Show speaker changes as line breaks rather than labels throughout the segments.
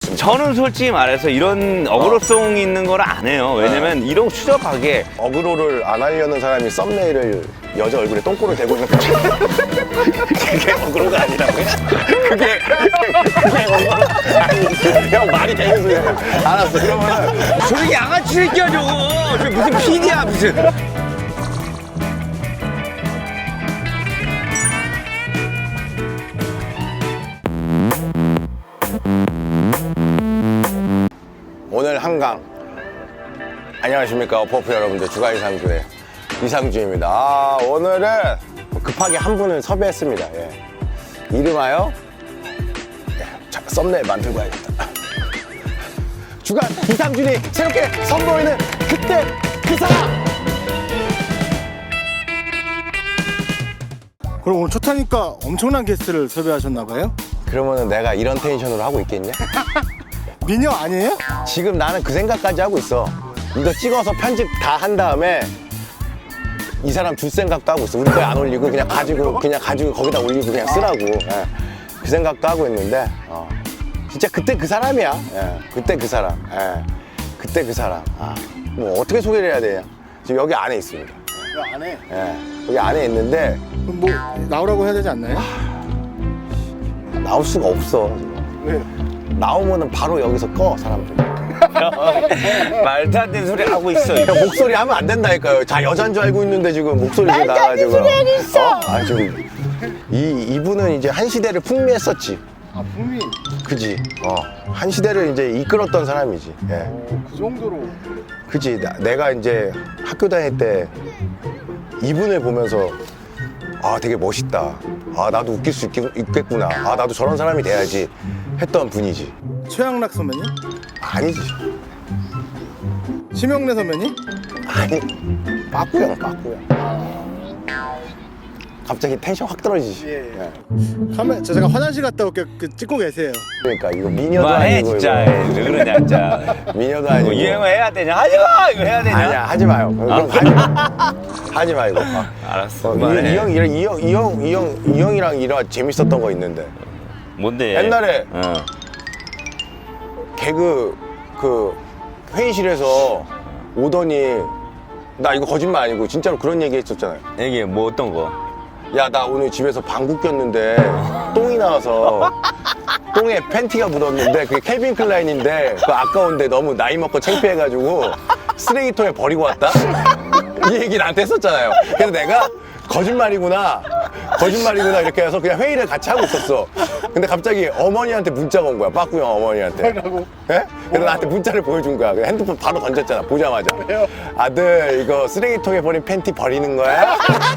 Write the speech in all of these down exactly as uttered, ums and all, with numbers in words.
있습니다.
저는 솔직히 말해서 이런 어그로송 있는 걸 안 해요. 왜냐면 이런 추적하게
어그로를 안 하려는 사람이 썸네일을 여자 얼굴에 똥꼬를 대고 있는 거 그게 어그로가 아니라고요? 그게 그게 어그로 아니 형 말이 되는 소리야. 알았어. 그러면은
저기 양아치 새끼야 저거. 저 무슨 피디야 무슨.
오늘 한강 안녕하십니까 어퍼프 여러분들 주가 이상주의 이상주입니다. 아, 오늘은 급하게 한 분을 섭외했습니다. 예. 이름하여 예, 자, 썸네일 만들고 와야겠다. 주간 이상준이 새롭게 선보이는 그때 그 사람.
그럼 오늘 첫 타니까 엄청난 게스트를 섭외하셨나봐요?
그러면은 내가 이런 텐션으로 하고 있겠냐?
미녀 아니에요?
지금 나는 그 생각까지 하고 있어. 이거 찍어서 편집 다 한 다음에 이 사람 줄 생각도 하고 있어. 우리 거에 안 올리고 그냥 가지고 그냥 가지고 거기다 올리고 그냥 쓰라고. 예. 그 생각도 하고 있는데 어. 진짜 그때 그 사람이야. 예. 그때 그 사람. 예. 그때 그 사람. 아. 뭐 어떻게 소개를 해야 되냐? 지금 여기 안에 있습니다.
왜 안 해?
예. 여기 안에 있는데
그럼 뭐 나오라고 해야 되지 않나요?
나올 수가 없어. 지금.
왜?
나오면은 바로 여기서 꺼 사람들.
말도 안 되는 소리 하고 있어.
야, 목소리 하면 안 된다니까요. 자 여잔 줄 알고 있는데 지금 목소리 지금 나가지고.
소리 하고 있어.
어? 아 지금 이 이분은 이제 한 시대를 풍미했었지.
아 분미
그지. 어. 한 시대를 이제 이끌었던 사람이지. 예.
그 정도로
그지. 나- 내가 이제 학교 다닐 때 이분을 보면서 아 되게 멋있다. 아 나도 웃길 수 있겠, 있겠구나. 아 나도 저런 사람이 돼야지 했던 분이지.
최양락 선배님?
아니지.
심영래 선배님?
아니. 빠꾸형 빠꾸형. 갑자기 텐션 확 떨어지지.
예. 카메 저 잠깐 화장실 갔다 올게. 그 찍고 계세요.
그러니까 이거 미녀도
그만해
아니고
진짜.
이거.
왜 그러냐 진짜.
미녀도 아니고.
뭐 유행어 해야 되냐? 하지마 이거 해야 되냐?
아니야 하지 마요. 그럼 하지 마. 하지 말고. 아.
알았어.
어,
그만해.
이형 이형 이형 이형 이형 이형이랑 일화 재밌었던 거 있는데
뭔데?
옛날에
어.
개그 그 회의실에서 오더니 나 이거 거짓말 아니고 진짜로 그런 얘기 했었잖아요.
이게 뭐 어떤 거?
야 나 오늘 집에서 방구 꼈는데 똥이 나와서 똥에 팬티가 묻었는데 그게 캘빈 클라인인데 그거 아까운데 너무 나이 먹고 창피해가지고 쓰레기통에 버리고 왔다? 이 얘기 나한테 했었잖아요. 그래서 내가 거짓말이구나 거짓말이구나 이렇게 해서 그냥 회의를 같이 하고 있었어. 근데 갑자기 어머니한테 문자가 온 거야. 빠꾸 형 어머니한테.
뭐라고?
예? 그래서 나한테 문자를 보여준 거야. 그래서 핸드폰 바로 던졌잖아. 보자마자.
왜요?
아들 이거 쓰레기통에 버린 팬티 버리는 거야?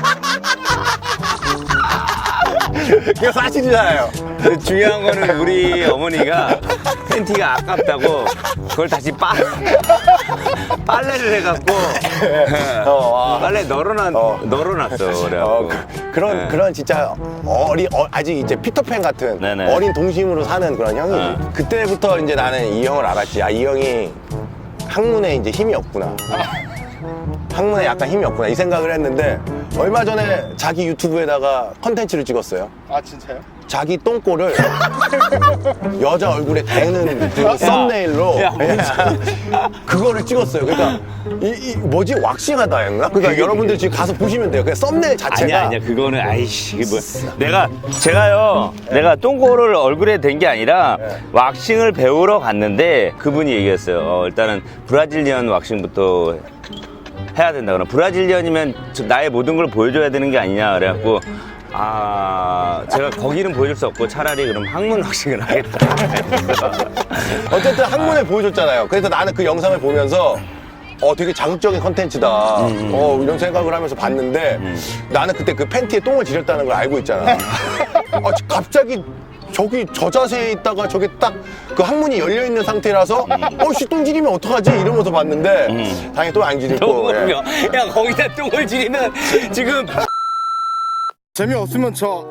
이거 사실이잖아요.
근데 중요한 거는 우리 어머니가 팬티가 아깝다고 그걸 다시 빠 빨래를 해갖고
어, 와.
빨래 널어놨
어.
널어놨어. 그래갖고.
어, 그, 그런
네.
그런 진짜 어리 어, 아직 이제 피터팬 같은
네네.
어린 동심으로 사는 그런 형이지.
어.
그때부터 이제 나는 이 형을 알았지. 아 이 형이 학문에 이제 힘이 없구나. 학문에 약간 힘이 없구나 이 생각을 했는데 얼마 전에 자기 유튜브에다가 컨텐츠를 찍었어요.
아 진짜요?
자기 똥꼬를 여자 얼굴에 대는 그 썸네일로
야,
예. 그거를 찍었어요. 그러니까 이, 이 뭐지 왁싱하다 했나? 그러니까 여러분들 지금 가서 보시면 돼요. 그 썸네일 자체가
아니야 아니야 그거는 아이씨 이게 뭐 내가 제가요 내가 똥꼬를 얼굴에 댄 게 아니라 왁싱을 배우러 갔는데 그분이 얘기했어요. 어, 일단은 브라질리언 왁싱부터 해야 된다. 그럼 브라질리언이면 저 나의 모든 걸 보여줘야 되는 게 아니냐 그래갖고 아 제가 거기는 보여줄 수 없고 차라리 그럼 항문 왁싱을 하겠다.
어쨌든 학문에 보여줬잖아요. 그래서 나는 그 영상을 보면서 어 되게 자극적인 컨텐츠다. 어 이런 생각을 하면서 봤는데 나는 그때 그 팬티에 똥을 지렸다는 걸 알고 있잖아. 아, 갑자기 저기 저 자세에 있다가 저게 딱 그 항문이 열려 있는 상태라서 어씨 똥 지리면 어떡하지 이러면서 봤는데 당연히 똥 안 지리고.
똥을 야 거기다 똥을 지리면 지금
재미없으면 저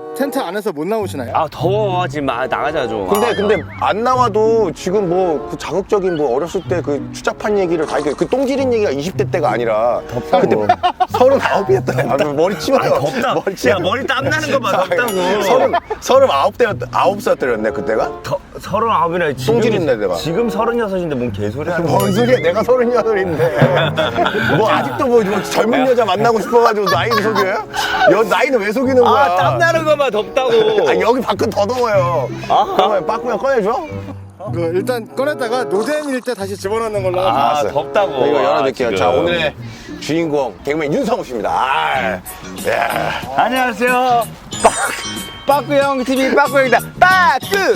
텐트 안에서 못 나오시나요?
아 더워 지금 아, 나가자 좀.
근데
아,
근데 안 나와도 지금 뭐 그 자극적인 뭐 어렸을 때 그 추잡한 얘기를 다 이렇게 그 똥지린 얘기가 이십 대 때가 아니라
덥다고.
그때 서른아홉이었다. 아, 머리 치워요.
아니, 덥다.
머리 치워.
야 머리 땀 나는 거 봐. 덥다고.
서른 서른아홉 대 아홉 살때였네 그때가.
더, 서른아홉이나 지금
똥지린 내 내가.
지금 서른여섯인데 뭔 개소리 하는 거야.
뭔 소리야? 내가 서른여덟인데 뭐 아직도 뭐, 뭐 젊은 여자 만나고 싶어가지고 나이를 속여요? 여 나이는 왜 속이는 거야?
아 땀 나는 거 봐. 덥다고.
아, 여기 밖은 더 더워요.
아.
그러면 빠꾸면 꺼내줘?
그 일단 꺼냈다가 노잼일 때 다시 집어넣는 걸로 하죠.
아
알았어요.
덥다고.
이거
아,
열어드릴게요.
지금.
자, 오늘의 주인공 개그맨 윤성우 씨입니다. 아, 야.
안녕하세요. 빠, 빠꾸형 티비 빠꾸형이다. 빠꾸.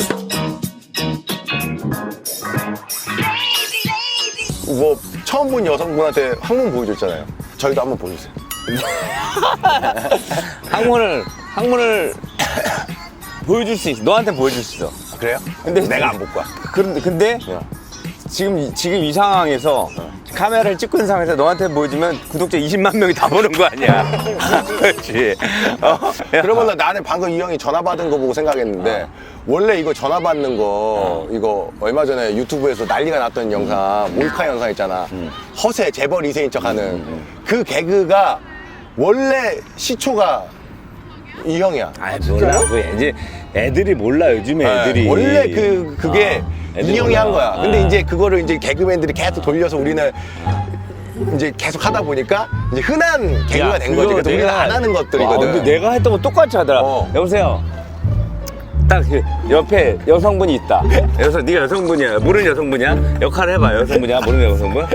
뭐 처음 본 여성분한테 항문 보여줬잖아요. 저희도 한번 보여주세요.
항문을 항문을 보여줄 수 있어. 너한테 보여줄 수 있어.
아, 그래요?
근데
내가 안 볼 거야.
그런데 근데
야.
지금 이- 지금 이 상황에서 카메라를 찍고 있는 상황에서 너한테 보여주면 구독자 이십만 명이 다 보는 거 아니야? 그렇지. 어? 야.
그러면 나 나는 방금 이 형이 전화 받은 거 보고 생각했는데 원래 이거 전화 받는 거 이거 얼마 전에 유튜브에서 난리가 났던 영상 몰카 영상 있잖아. 허세 재벌 이 세인 척하는 그 개그가 원래 시초가 이 형이야.
아이 몰라. 그 이제 애들이 몰라 요즘에 애들이.
네, 원래 그 그게
아, 애들이
이 형이
몰라.
한 거야. 근데
아.
이제 그거를 이제 개그맨들이 계속 돌려서 우리는 이제 계속 하다 보니까 이제 흔한 개그가
야,
된 거지.
그거
그래서 우리가 안 하는 것들이거든.
아, 근데 내가 했던 거 똑같이 하더라.
어.
여보세요. 딱 그 옆에 여성분이 있다. 여성, 네가 여성분이야. 모르는 여성분이야? 역할을 해봐. 여성분이야. 모르는 여성분?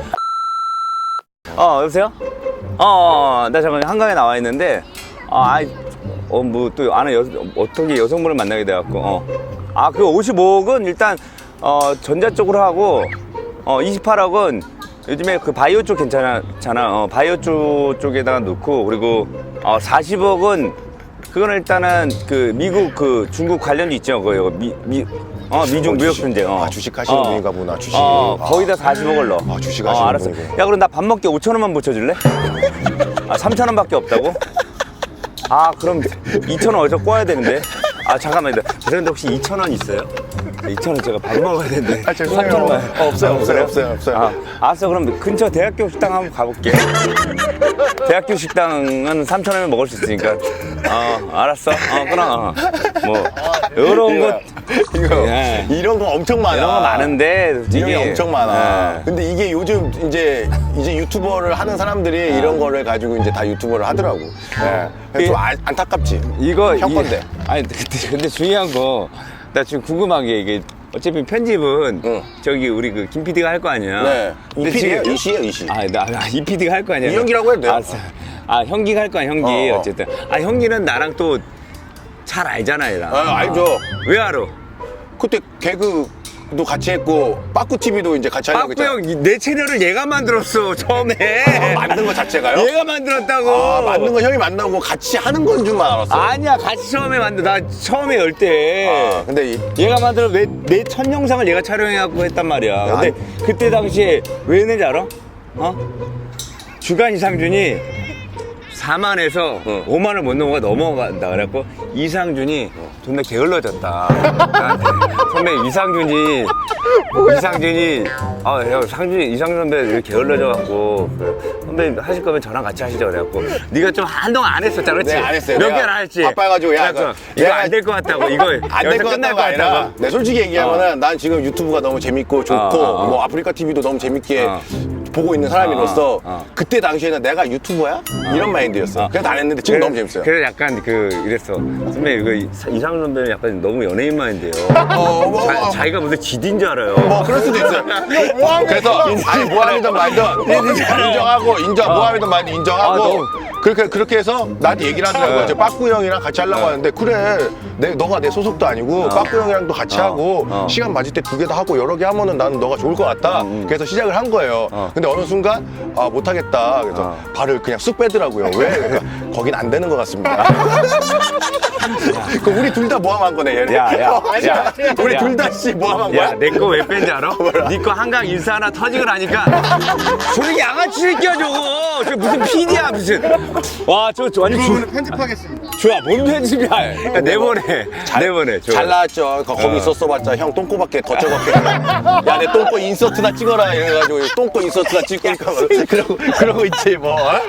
어, 여보세요? 어, 어, 나 잠깐 한강에 나와 있는데, 어, 아이, 어, 뭐 또 아는 여, 어떻게 여성분을 만나게 돼갖고, 어. 아, 그 오십오억은 일단, 어, 전자 쪽으로 하고, 어, 이십팔억은 요즘에 그 바이오 쪽 괜찮잖아. 어, 바이오 쪽 쪽에다가 넣고, 그리고, 어, 사십억은 그거는 일단은 그 미국 그 중국 관련이 있죠. 그 미, 미, 어, 미중 무역
주식.
분쟁. 어.
아, 주식 하시는 분인가 보나, 주식.
어,
아.
거의 다 사십억을 넣어.
아, 주식 하시는
어, 알았어.
분이구나.
야, 그럼 나 밥 먹게 오천 원만 붙여줄래? 아, 삼천 원밖에 없다고? 아, 그럼 이천 원 어디서 꼬아야 되는데? 아, 잠깐만요. 죄송한데 혹시 이천 원 있어요? 이천 원 제가 밥 먹어야 되는데.
아, 죄송해요.
삼천 원만.
어, 없어요, 없어요,
그래요?
없어요, 없어요.
아, 알았어. 그럼 근처 대학교 식당 한번 가볼게. 대학교 식당은 삼천 원이면 먹을 수 있으니까. 어, 알았어. 어, 끊어. 어. 뭐, 요런 것.
이거
예.
이런 거 엄청 많아.
이런 거 많은데, 솔직히.
이런 게 엄청 많아.
예.
근데 이게 요즘 이제 이제 유튜버를 하는 사람들이 이런 거를 가지고 이제 다 유튜버를 하더라고. 예. 그래서 좀 안, 안타깝지.
이거
형
이-
건데.
아니 근데, 근데 중요한 거 나 지금 궁금한 게 이게 어차피 편집은
응.
저기 우리 그 김 피디가 할 거 아니야.
네.
근데
이 피디예요?
지금-
이 씨예요, 이 씨.
아나이 피디가 할 거 아니야.
이 형기라고 해도 돼요.
알았어. 아 형기가 할 거야 형기
어, 어.
어쨌든. 아 형기는 나랑 또 잘 알잖아 얘랑.
아, 알죠.
왜 알아?
그때 개그도 같이 했고 빠꾸 티비도 이제 같이 하려고
빠꾸
했잖아.
형 내 채널을 얘가 만들었어 처음에.
만든 거 자체가요?
얘가 만들었다고.
아, 만든 거 형이 만나고 같이 하는 건 줄만 알았어.
아니야 같이 처음에 만들. 나 처음에 열 때.
아, 근데 이,
얘가 만들어 내 내 첫 영상을 얘가 촬영해갖고 했단 말이야. 근데 그때 당시에 왜 했는지 알아? 어? 주간 이상준이 사만에서
응.
오만을 못 넘어가 넘어간다. 그래갖고 이상준이 존나 게을러졌다. 나한테. 선배 이상준이 이상준이 아 형 상준이 이상준 선배 이렇게 게을러져갖고 그, 선배 하실 거면 저랑 같이 하시죠. 그래갖고 네가 좀 한동안 안 했었잖아, 그렇지?
네, 안 했어요.
몇
내가
개를 안 했지.
바빠가지고, 야,
그래갖고
그-
이거
내가-
안 될 것 같다고 이거
안 될
여기서
것
끝날
같다가 아니라 내 솔직히 얘기하면은
어.
난 지금 유튜브가 너무 재밌고 좋고
어, 어, 어.
뭐 아프리카 티비도 너무 재밌게
어.
보고 있는 사람으로서
어, 어.
그때 당시에는 내가 유튜버야? 이런 마인드였어. 그래서 안 했는데 지금 너무 재밌어요.
그래 약간 그 이랬어. 선배 이거 이상준 선배는 약간 너무 연예인 마인드예요.
어, 뭐,
자,
어.
자기가 무슨 지디인 줄 알아요.
뭐 그럴 수도 있어요. 그래서 아니 모함이든 말든 인정하고 인정 모함이든 말든 인정하고
아, 너무-
그렇게 그렇게 해서 나한테 얘기를 하더라고요.
네.
이제 빠꾸 형이랑 같이 하려고 하는데 그래 내 너가 내 소속도 아니고 빠꾸 형이랑도 같이
어.
하고
어.
시간 맞을 때 두 개 다 하고 여러 개 하면은 나는 너가 좋을 것 같다. 그래서 시작을 한 거예요.
어.
근데 어느 순간 아 못하겠다. 그래서
어.
발을 그냥 쑥 빼더라고요. 왜? 그러니까 거긴 안 되는 것 같습니다. 그 우리 둘 다 모함한 거네 얘네.
야, 야,
어, 아니야.
야.
우리
야.
둘 다 씨 모함한
야,
거야?
내 거 왜 뺀지 알아? 네 거 한강 인사 하나 터지고 나니까 저렇게 양아치 새끼야 저거. 저 무슨 피디야 무슨. 와, 저, 저 완전
부분은 편집하겠습니다.
좋아. 뭔 편집이야. 야, 내보내. 내보내.
잘 나왔죠. 거, 거기 있었어봤자 형 똥꼬밖에 더 적었게. 야, 내 똥꼬 인서트나 찍어라 이래가지고 똥꼬 인서트나 찍으니까 그러고 그러고 있지 뭐. 어?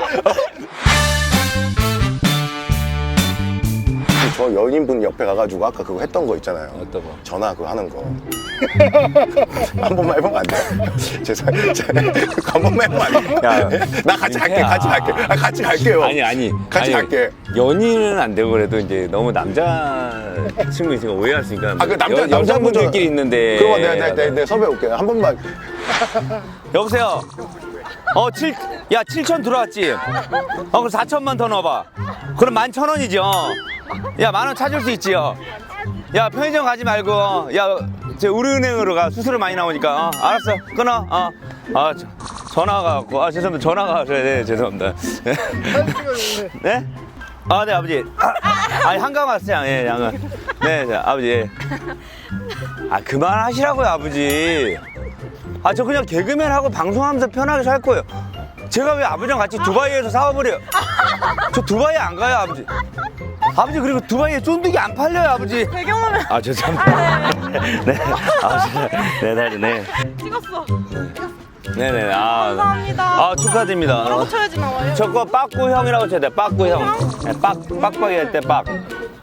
저 연인분 옆에 가가지고 아까 그거 했던 거 있잖아요.
어떤 거?
전화 그거 하는 거. 한 번만 해보면 안 돼? 죄송해요. 한 번만 해보면 안 돼?
야,
나 같이 갈게,
민폐야.
같이 갈게. 아, 같이 갈게요.
아니 아니
같이
아니,
갈게.
연인은 안 되고 그래도 이제 너무 남자 친구 있으니까 오해할 수 있으니까
아, 그 남자,
여,
남자분들-
여자분들끼리 있는데
그러면 내가, 내가, 내가, 내가 섭외 올게요. 한 번만.
여보세요. 어, 칠, 야, 칠천 들어왔지? 어, 그럼 사천만 더 넣어봐. 그럼 만 천 원이죠. 야, 만 원 찾을 수 있지요. 야, 편의점 가지 말고, 야, 저 우리은행으로 가. 수수료 많이 나오니까. 어, 알았어. 끊어. 어. 아, 저, 전화가 왔고. 아, 죄송합니다. 전화가 와서. 네, 죄송합니다. 네? 아, 네, 아버지. 아, 아니, 한강 왔어요. 예, 양은. 네, 네, 아버지. 예. 아, 그만하시라고요, 아버지. 아, 저 그냥 개그맨 하고 방송하면서 편하게 살 거예요. 제가 왜 아버지랑 같이 두바이에서 사업을 해요? 저 두바이 안 가요, 아버지. 아버지, 그리고 두바이에 쫀득이 안 팔려요, 아버지.
배경화면
아, 죄송합니다. 네. 아버지. 네, 네, 네.
찍었어.
네네. 아,
감사합니다.
아, 축하드립니다.
뭐라고 쳐야지 나와요?
저거 빠꾸 형이라고 쳐야 돼, 빠꾸 형. 네, 빡, 빡빡이 할 때 빡.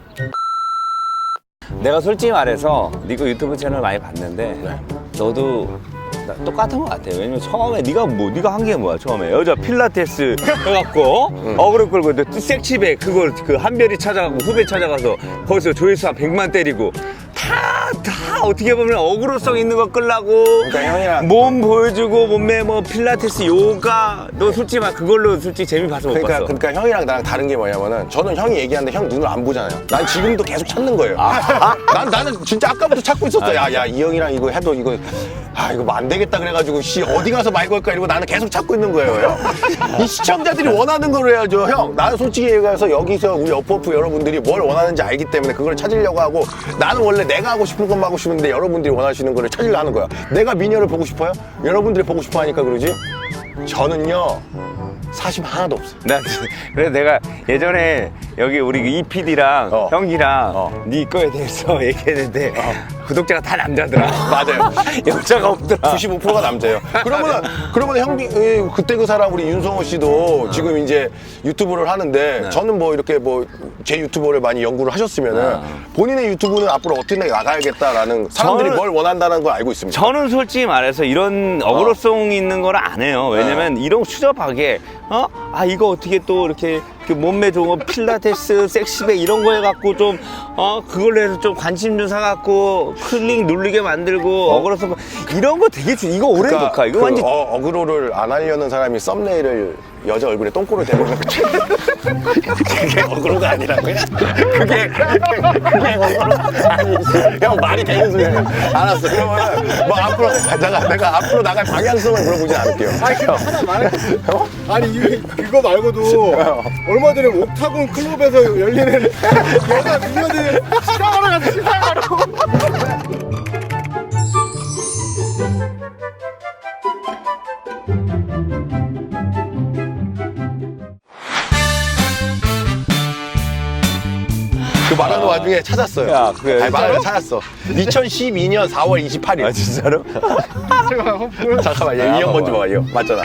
내가 솔직히 말해서 니거 유튜브 채널 많이 봤는데 너도 나 똑같은 것 같아. 왜냐면 처음에 네가 뭐 네가 한 게 뭐야? 처음에 여자 필라테스 해갖고 어그로 끌고 또 섹시백 그걸 그 한별이 찾아가고 후배 찾아가서 거기서 조회수 한 백만 때리고 다 다 어떻게 보면 어그로성 있는 거 끌라고
그러니까 형이랑-
몸 보여주고 몸매 뭐 필라테스 요가 너 솔직히 말 그걸로 솔직히 재미 봐서 못
그러니까,
봤어.
그러니까 형이랑 나랑 다른 게 뭐냐면은 저는 형이 얘기하는데 형 눈을 안 보잖아요. 난 지금도 계속 찾는 거예요. 난 나는 진짜 아까부터 찾고 있었어. 야, 야, 이 형이랑 이거 해도 이거 아 이거 뭐 안 되겠다 그래가지고 씨 어디 가서 말 걸까 이러고 나는 계속 찾고 있는 거예요. 형. 이 시청자들이 원하는 걸 해야죠, 형. 나는 솔직히 얘기해서 여기서 우리 어프어프 여러분들이 뭘 원하는지 알기 때문에 그걸 찾으려고 하고 나는 원래 내가 하고 싶은 것만 하고 싶은데 여러분들이 원하시는 거를 찾으려 하는 거야. 내가 미녀를 보고 싶어요? 여러분들이 보고 싶어 하니까 그러지? 저는요 사심 하나도 없어요.
나 그래서 내가 예전에 여기 우리 이 피디랑
어.
형이랑
어.
네 거에 대해서 얘기했는데 구독자가 다 남자더라.
맞아요.
여자가 없더라.
구십오 퍼센트가 남자예요. 그러면 그러면 형비 에, 그때 그 사람 우리 윤성호 씨도 지금 이제 유튜브를 하는데 저는 뭐 이렇게 뭐 제 유튜버를 많이 연구를 하셨으면은 본인의 유튜브는 앞으로 어떻게 나가야겠다라는 사람들이
저는-
뭘 원한다는 걸 알고 있습니다.
저는 솔직히 말해서 이런 어그로성 있는 걸 안 해요. 왜냐면 이런 추접하게 어? 아 이거 어떻게 또 이렇게 그 몸매 좋은 거 필라테스, 섹시백 이런 거 해갖고 좀 어 그걸로 해서 좀 관심 좀 사갖고 클릭 누르게 만들고 어그로성 이런 거 되게 주- 이거 오래 녹화 이거
그
완전
어, 어그로를 안 하려는 사람이 썸네일을 여자 얼굴에 똥꼬를 대고 있는 거지. 그게 어그로가 아니라고요? 그게 그게 어그로 아니지. 형 말이 되는 소리야. 알았어. 그러면 뭐 앞으로 내가 내가 앞으로 나갈 방향성을 물어보지 않을게요.
아니 근데 하나 말할게. 아니 이 그거 말고도 얼마 전에 옥타곤 클럽에서 열리는 여자 미녀들 시장하러 가서 시장하러.
그 말하는 와중에 찾았어요.
야, 그래,
아니, 말하는 찾았어. 이천십이 년 사월 이십팔일.
아 진짜로?
잠깐만, 얘
아,
이 형 먼저
봐봐.
봐, 이 형. 맞잖아.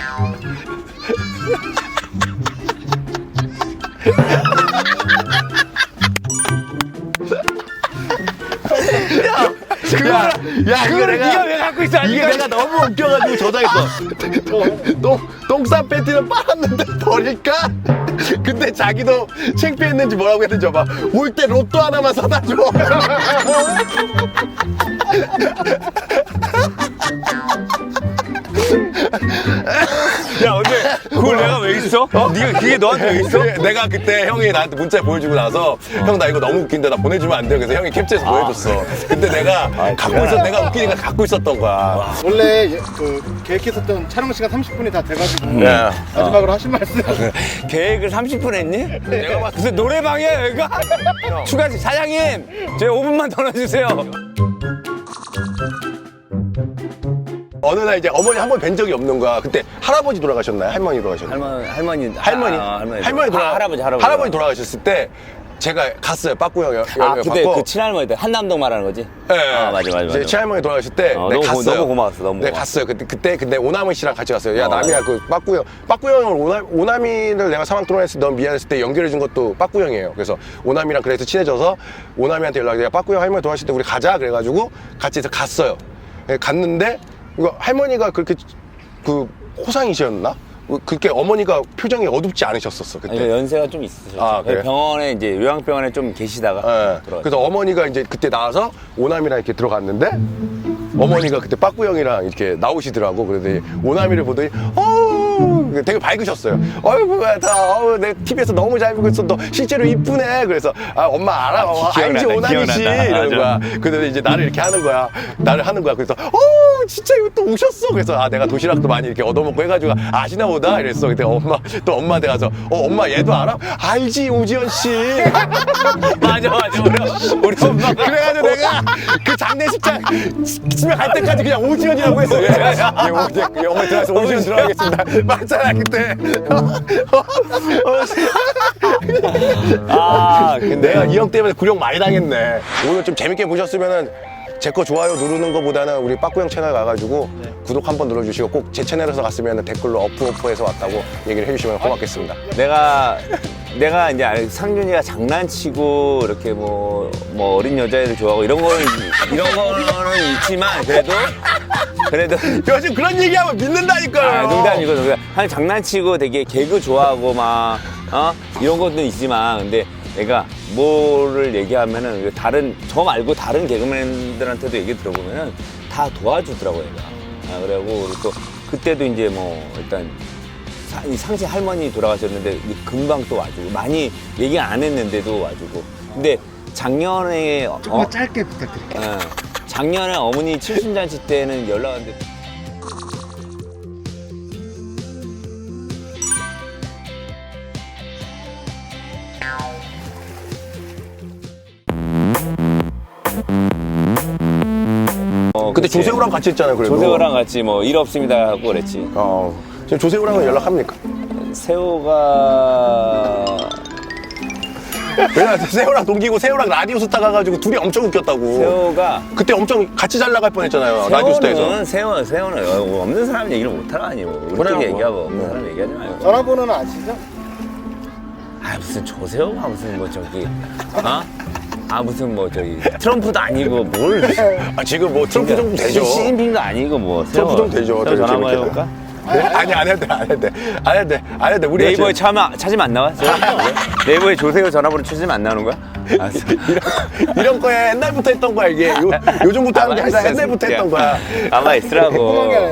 그거, 야, 이거
그거를
내가,
네가 왜 갖고 있어?
이게 내가 너무 웃겨가지고 저장했어. 똥, 똥싼 팬티는 빨았는데 버릴까? 근데 자기도 창피했는지 뭐라고 했는지 봐. 올 때 로또 하나만 사다 줘.
야 근데 그걸 내가 왜 있어? 어? 네가 그게 너한테 왜 있어?
내가 그때 형이 나한테 문자 보여주고 나서 형 나 이거 너무 웃긴데 나 보내주면 안 돼. 그래서 형이 캡처해서 보여줬어. 근데 내가 갖고 있었 내가 웃기니까 갖고 있었던 거야.
원래 예- 그 계획했었던 촬영 시간 삼십 분이 다 돼가지고
네.
마지막으로 하신 말씀.
계획을 삼십 분 했니? 내가 봤 무슨 노래방이야 여기가? 추가 사장님 제 오 분만 더 넣어주세요.
어느 날 이제 어머니 한 번 뵌 적이 없는 거야. 그때 할아버지 돌아가셨나요? 할머니 돌아가셨나요?
할머니 할머니
할머니
아, 할머니
할머니 돌아
아, 할아버지 할아버지
할아버지 돌아가셨을 때 제가 갔어요. 빠꾸 형 여-
아
여기
그때
받고.
그 친할머니 때 한남동 말하는 거지?
네,
아 맞아 맞아
이제
맞아.
친할머니 돌아가실 때
어,
네,
너무 고-
갔어요.
너무 고마웠어, 너무
네,
고마웠어.
갔어요. 그때 그때 근데 오남희 씨랑 같이 갔어요. 야
어.
남이야 그 빠꾸 형 빠꾸 형을 오나, 오남이를 내가 사망 토론했을 때 너무 미안했을 때 연결해 준 것도 빠꾸 형이에요. 그래서 오남이랑 그래서 친해져서 오남이한테 연락이 내가 빠꾸 형 할머니 돌아가실 때 우리 가자 그래가지고 같이 해서 갔어요. 네, 갔는데 이거 할머니가 그렇게 그 호상이셨나? 그렇게 어머니가 표정이 어둡지 않으셨었어 그때.
아니, 연세가 좀 있으셨죠.
아, 그래요?
병원에 이제 요양병원에 좀 계시다가
예.
돌아가셨어요.
그래서 어머니가 이제 그때 나와서 오남이랑 이렇게 들어갔는데 어머니가 그때 빠꾸 형이랑 이렇게 나오시더라고. 그래서 오남이를 보더니 어우 되게 밝으셨어요. 어이구 다 어우 내 티비에서 너무 잘 보고 있어. 너 실제로 이쁘네. 그래서 아 엄마 알아. 어, 알지
기억난다,
오남이 씨
기억난다.
이러는
맞아.
거야. 근데 이제 나를 이렇게 하는 거야. 나를 하는 거야. 그래서 어 진짜 이거 또 오셨어. 그래서 아 내가 도시락도 많이 이렇게 얻어먹고 해가지고 아시나 보다 이랬어. 근데 엄마 또 엄마한테 가서 어 엄마 얘도 알아? 알지 오지연 씨.
맞아 맞아 우리, 우리 엄마가
그래가지고 내가 그 장례식장 집에 갈 때까지 그냥 오지연이라고 했어. 예, 예, 오- 예, 어머니 들어가서 오지연 들어가겠습니다. 맞잖아 그때.
아 근데
내가 이 형 때문에 구령 많이 당했네. 오늘 좀 재밌게 보셨으면은 제 거 좋아요 누르는 거보다는 우리 빠꾸 형 채널 가가지고 구독 한번 눌러주시고 꼭 제 채널에서 갔으면 댓글로 어프 어프해서 왔다고 얘기를 해주시면 고맙겠습니다.
내가 내가 이제 알- 상준이가 장난치고 이렇게 뭐, 뭐 어린 여자애를 좋아하고 이런 거는 이런 거는 있지만 그래도 그래도
요즘 그런 얘기하면 믿는다니까요.
아, 농담이고 농담. 한 장난치고 되게 개그 좋아하고 막 어? 이런 것도 있지만 근데 내가 뭐를 얘기하면은 그 다른 저 말고 다른 개그맨들한테도 얘기 들어보면은 다 도와주더라고 얘가. 아, 그래고 그리고 또 그때도 이제 뭐 일단 사- 이 상시 할머니 돌아가셨는데 금방 또 와주고 많이 얘기 안 했는데도 와주고. 근데 작년에 어,
조금만 짧게 부탁드릴게요.
어, 작년에 어머니 칠순잔치 때는 연락 왔는데 어,
그때
그치.
조세호랑 같이 했잖아요. 그래도.
조세호랑 같이 뭐 일 없습니다 하고 그랬지.
어. 지금 조세호랑은 연락합니까?
세호가
왜냐면 세호랑 동기고 세호랑 라디오 스타 가가지고 둘이 엄청 웃겼다고.
세호가
그때 엄청 같이 잘 나갈 뻔했잖아요. 라디오 스타에서.
세호는 세호 세호는 어, 없는 사람 얘기를 못 하라니 뭐 우리끼리
그래요, 뭐.
얘기하고 없는 사람 얘기하지 말고.
전화번호는 아시죠?
아 무슨 조세호가 무슨 뭐 저기 어? 아 무슨 뭐 저기 트럼프도 아니고 뭘
아, 지금 뭐 트럼프 정도 되죠.
시진핑도 아니고 뭐
트럼프
세호.
정도 되죠.
세호
되게
전화 한번
재밌게.
해볼까?
네? 아니 안 해도 돼, 안 해도 돼, 안 해도 돼, 안 해도 돼. 우리
네이버에 찾으면, 찾으면 안 나와? 세호? 네이버에 조세호 전화번호 찾으면 안 나오는 거야? 알았어.
이런, 이런 거에 옛날부터 했던 거야 이게. 요, 요즘부터 하는 게 아니라 옛날부터 했던 거야.
가만 있으라고.